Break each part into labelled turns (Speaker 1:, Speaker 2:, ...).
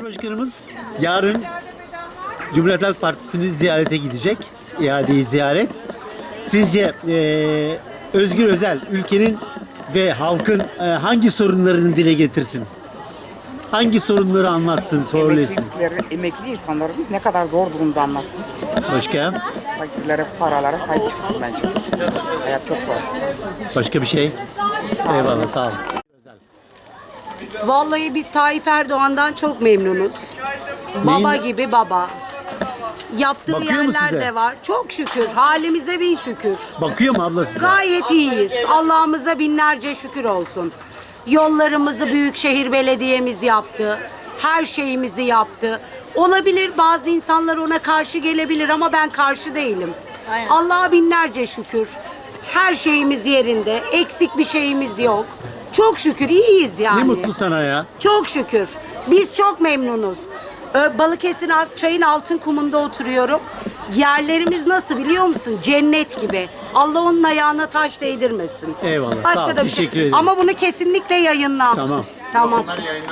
Speaker 1: Cumhurbaşkanımız yarın Cumhuriyet Halk Partisi'ni ziyarete gidecek. İadeyi ziyaret. Sizce Özgür Özel ülkenin ve halkın hangi sorunlarını dile getirsin? Hangi sorunları anlatsın, söylesin?
Speaker 2: Emekli insanların ne kadar zor durumda anlatsın.
Speaker 1: Başka?
Speaker 2: Fakirlere, paralara sahip çıksın bence. Hayat çok zor.
Speaker 1: Başka bir şey? Eyvallah, sağ ol.
Speaker 3: Vallahi biz Tayyip Erdoğan'dan çok memnunuz. Baba gibi baba. Yaptığı
Speaker 1: Bakıyor mu
Speaker 3: yerler
Speaker 1: size?
Speaker 3: de var. Çok şükür. Halimize bin şükür.
Speaker 1: Bakıyor mu abla size?
Speaker 3: Gayet iyiyiz. Allah'ımıza binlerce şükür olsun. Yollarımızı Büyükşehir Belediye'miz yaptı. Her şeyimizi yaptı. Olabilir bazı insanlar ona karşı gelebilir ama ben karşı değilim. Allah'a binlerce şükür. Her şeyimiz yerinde. Eksik bir şeyimiz yok. Çok şükür iyiyiz yani.
Speaker 1: Ne mutlu sana ya.
Speaker 3: Çok şükür. Biz çok memnunuz. Balıkesir çayın altın kumunda oturuyorum. Yerlerimiz nasıl biliyor musun? Cennet gibi. Allah onun ayağına taş değdirmesin.
Speaker 1: Eyvallah,
Speaker 3: Başka
Speaker 1: sağ ol,
Speaker 3: da bir
Speaker 1: teşekkür
Speaker 3: şey.
Speaker 1: ederim.
Speaker 3: Ama bunu kesinlikle yayınla.
Speaker 1: Tamam.
Speaker 3: Tamam.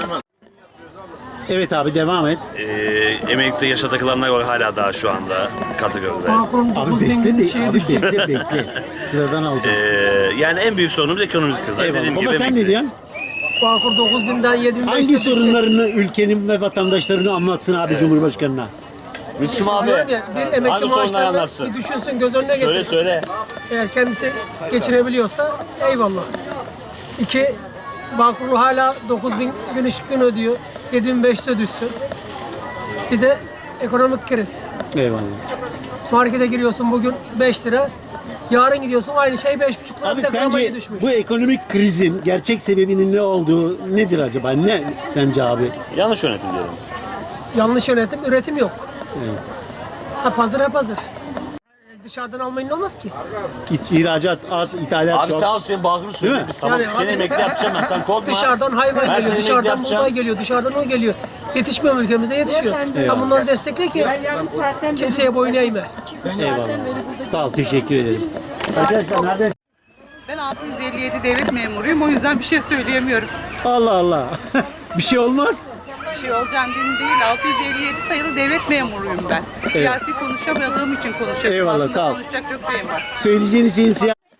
Speaker 1: Evet abi, devam et.
Speaker 4: Emeklilikte yaşa takılanlar var hala daha şu anda kategoride.
Speaker 1: Abi bekle. Sıradan alacağım.
Speaker 4: Yani en büyük sorunumuz ekonomik kriz.
Speaker 1: Eyvallah.
Speaker 4: Dediğim
Speaker 1: Baba
Speaker 4: gibi
Speaker 1: sen ne
Speaker 4: emeklilik.
Speaker 1: diyorsun?
Speaker 5: Bağkur 9000'den 7500'e
Speaker 1: Hangi
Speaker 5: düşecek.
Speaker 1: sorunlarını ülkenin ve vatandaşlarını anlatsın abi Cumhurbaşkanı'na?
Speaker 4: Müslüm abi.
Speaker 5: Diyorum ya, bir emekli
Speaker 4: Hangi sorunları
Speaker 5: maaşlarını
Speaker 4: anlatsın?
Speaker 5: bir düşünsün, göz önüne getir.
Speaker 4: Söyle.
Speaker 5: Eğer kendisi geçirebiliyorsa eyvallah. İki, Bağkurlu hala 9000 gün ışık gün ödüyor. 7500'e düşsün. Bir de ekonomik kriz.
Speaker 1: Eyvallah.
Speaker 5: Markete giriyorsun bugün 5 lira. Yarın gidiyorsun aynı şey 5,5 lira.
Speaker 1: Abi
Speaker 5: Bir de gramajı
Speaker 1: sence
Speaker 5: düşmüş.
Speaker 1: bu ekonomik krizin gerçek sebebinin ne olduğu nedir acaba? Ne sence abi?
Speaker 4: Yanlış yönetim diyorum.
Speaker 5: Yanlış yönetim, üretim yok.
Speaker 1: Evet.
Speaker 5: Hep hazır. Dışarıdan almayın olmaz ki.
Speaker 1: İhracat az, ithalat
Speaker 4: Abi
Speaker 1: çok.
Speaker 4: tamam senin bağını söyle.
Speaker 1: Değil mi?
Speaker 4: Biz tamam
Speaker 5: Yani
Speaker 4: seni
Speaker 5: abi-
Speaker 4: emekli yapacağım ben, sen korkma.
Speaker 5: Dışarıdan hayvan
Speaker 4: Ben
Speaker 5: geliyor,
Speaker 4: seni
Speaker 5: dışarıdan
Speaker 4: emekli
Speaker 5: buğday
Speaker 4: yapacağım.
Speaker 5: geliyor, dışarıdan o geliyor. Yetişmiyor mu ülkemize? Yetişiyor. Sen bunları destekle ki kimseye boyun eğme.
Speaker 1: Eyvallah. Sağ ol, teşekkür ederim. Arkadaşlar nereden?
Speaker 6: Ben 657 devlet memuruyum. O yüzden bir şey söyleyemiyorum.
Speaker 1: Allah Allah. Bir şey olmaz.
Speaker 6: Bir şey olacağını değil. 657 sayılı devlet memuruyum ben. Siyasi konuşamadığım için konuşuyorum.
Speaker 1: Eyvallah,
Speaker 6: Aslında
Speaker 1: sağ ol.
Speaker 6: konuşacak çok şeyim var.
Speaker 1: Söyleyeceğiniz şeyin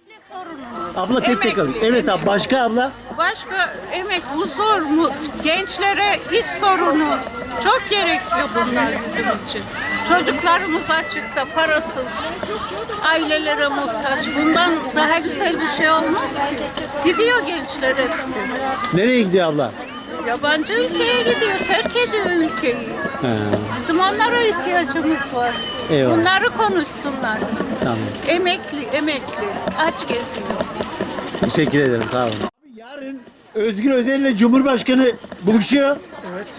Speaker 1: Abla tek tek alayım.
Speaker 7: Emekli,
Speaker 1: Evet abi, başka abla?
Speaker 7: Başka emek, huzur mu? Gençlere iş sorunu çok gerekli bunlar bizim için. Çocuklarımız açıkta, parasız, ailelere muhtaç. Bundan daha güzel bir şey olmaz ki. Gidiyor gençler hepsi.
Speaker 1: Nereye gidiyor abla?
Speaker 7: Yabancı ülkeye gidiyor, terk ediyor ülkeyi.
Speaker 1: Ha,
Speaker 7: Bizim onlara ihtiyacımız var.
Speaker 1: Eyvallah.
Speaker 7: Bunları konuşsunlar.
Speaker 1: tamam.
Speaker 7: Emekli, aç geziyor.
Speaker 1: Teşekkür ederim, sağ olun. Abi yarın Özgür Özel ile Cumhurbaşkanı buluşuyor. Evet.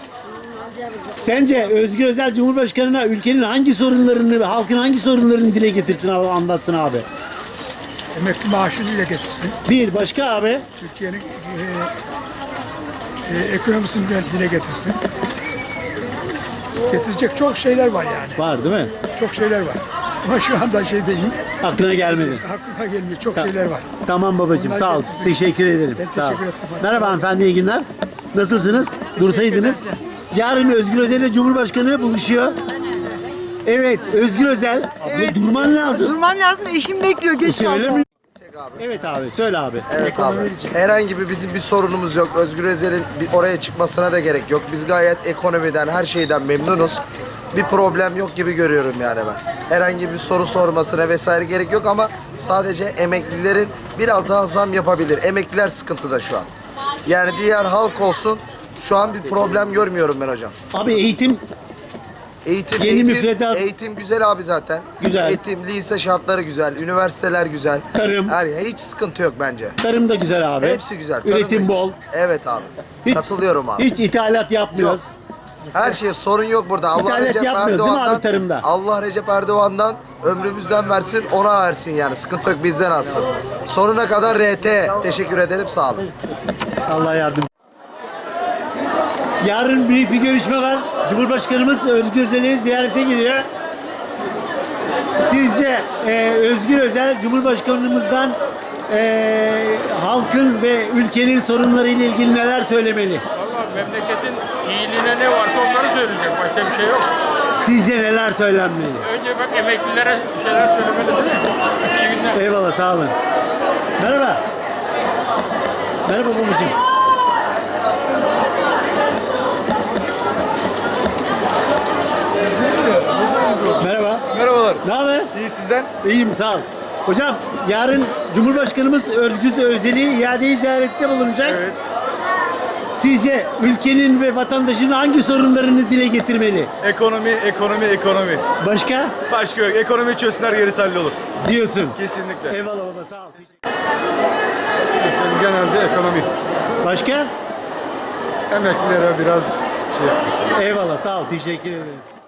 Speaker 1: Sence Özgür Özel Cumhurbaşkanı'na ülkenin hangi sorunlarını, halkın hangi sorunlarını dile getirsin, anlatsın abi?
Speaker 8: Emekli maaşını dile getirsin.
Speaker 1: Bir, başka abi?
Speaker 8: Türkiye'nin ekonomisini de dile getirsin. Getirecek çok şeyler var yani.
Speaker 1: Var değil mi?
Speaker 8: Çok şeyler var. Ama şu anda şey değil.
Speaker 1: Aklına gelmedi.
Speaker 8: Aklıma gelmiyor. Çok şeyler var.
Speaker 1: Tamam babacığım,
Speaker 8: Onlar
Speaker 1: sağ ol.
Speaker 8: getirsin.
Speaker 1: Teşekkür ederim.
Speaker 8: Ben
Speaker 1: Sağ ol.
Speaker 8: teşekkür ettim.
Speaker 1: Merhaba hanımefendi, iyi günler. Nasılsınız? Dursaydınız. Yarın Özgür Özel ile Cumhurbaşkanı buluşuyor. Evet, Özgür Özel. Abla durman lazım.
Speaker 9: Durman lazım, eşim bekliyor. Geç
Speaker 1: Söyle
Speaker 9: kalma.
Speaker 1: mi? Evet abi, söyle abi.
Speaker 10: Evet abi. Herhangi bir bizim bir sorunumuz yok. Özgür Özel'in oraya çıkmasına da gerek yok. Biz gayet ekonomiden, her şeyden memnunuz. Bir problem yok gibi görüyorum yani ben. Herhangi bir soru sormasına vesaire gerek yok ama sadece emeklilerin biraz daha zam yapabilir. Emekliler sıkıntıda şu an. Yani diğer halk olsun, şu an bir problem görmüyorum ben hocam.
Speaker 1: Abi eğitim Yeni müfredat.
Speaker 10: Eğitim güzel abi zaten.
Speaker 1: Güzel.
Speaker 10: Eğitim, lise şartları güzel, üniversiteler güzel.
Speaker 1: Tarım.
Speaker 10: Hiç sıkıntı yok bence.
Speaker 1: tarım da güzel abi.
Speaker 10: Hepsi güzel. Tarım
Speaker 1: Üretim
Speaker 10: da-
Speaker 1: bol.
Speaker 10: Evet abi.
Speaker 1: Hiç-
Speaker 10: Katılıyorum abi.
Speaker 1: Hiç ithalat yapmıyoruz.
Speaker 10: Her şeye sorun yok burada. Allah
Speaker 1: İthalat
Speaker 10: Recep
Speaker 1: yapmıyoruz değil mi abi
Speaker 10: Erdoğan'dan,
Speaker 1: tarımda?
Speaker 10: Allah Recep Erdoğan'dan ömrümüzden versin, ona versin yani. Sıkıntı yok, bizden alsın. Sonuna kadar RT. Teşekkür ederim, sağ olun.
Speaker 1: Allah yardım. Yarın büyük bir görüşme var. Cumhurbaşkanımız Özgür Özel'i ziyarete gidiyor. Sizce Özgür Özel Cumhurbaşkanımızdan halkın ve ülkenin sorunlarıyla ilgili neler söylemeli?
Speaker 11: Vallahi memleketin
Speaker 9: iyiliğine ne varsa onları söyleyecek. Başka bir şey yok.
Speaker 1: Sizce neler söylenmeli?
Speaker 9: Önce bak emeklilere bir şeyler söylemeli değil mi? İyi günler.
Speaker 1: Eyvallah, sağ olun. Merhaba. Merhaba babacığım. Merhaba.
Speaker 11: Merhabalar.
Speaker 1: Ne haber?
Speaker 11: İyi sizden?
Speaker 1: İyiyim, sağ ol. Hocam, yarın Cumhurbaşkanımız Özgür Özel'i iadeyi ziyarette bulunacak.
Speaker 11: Evet.
Speaker 1: Sizce ülkenin ve vatandaşın hangi sorunlarını dile getirmeli?
Speaker 11: Ekonomi, ekonomi, ekonomi.
Speaker 1: Başka?
Speaker 11: Başka yok. Ekonomi çözsünler, gerisi hallolur.
Speaker 1: Diyorsun.
Speaker 11: Kesinlikle.
Speaker 1: Eyvallah baba, sağ ol.
Speaker 11: Genelde ekonomi.
Speaker 1: Başka?
Speaker 11: Emeklilere biraz şey yapmış.
Speaker 1: Eyvallah, sağ ol. Teşekkür ederim.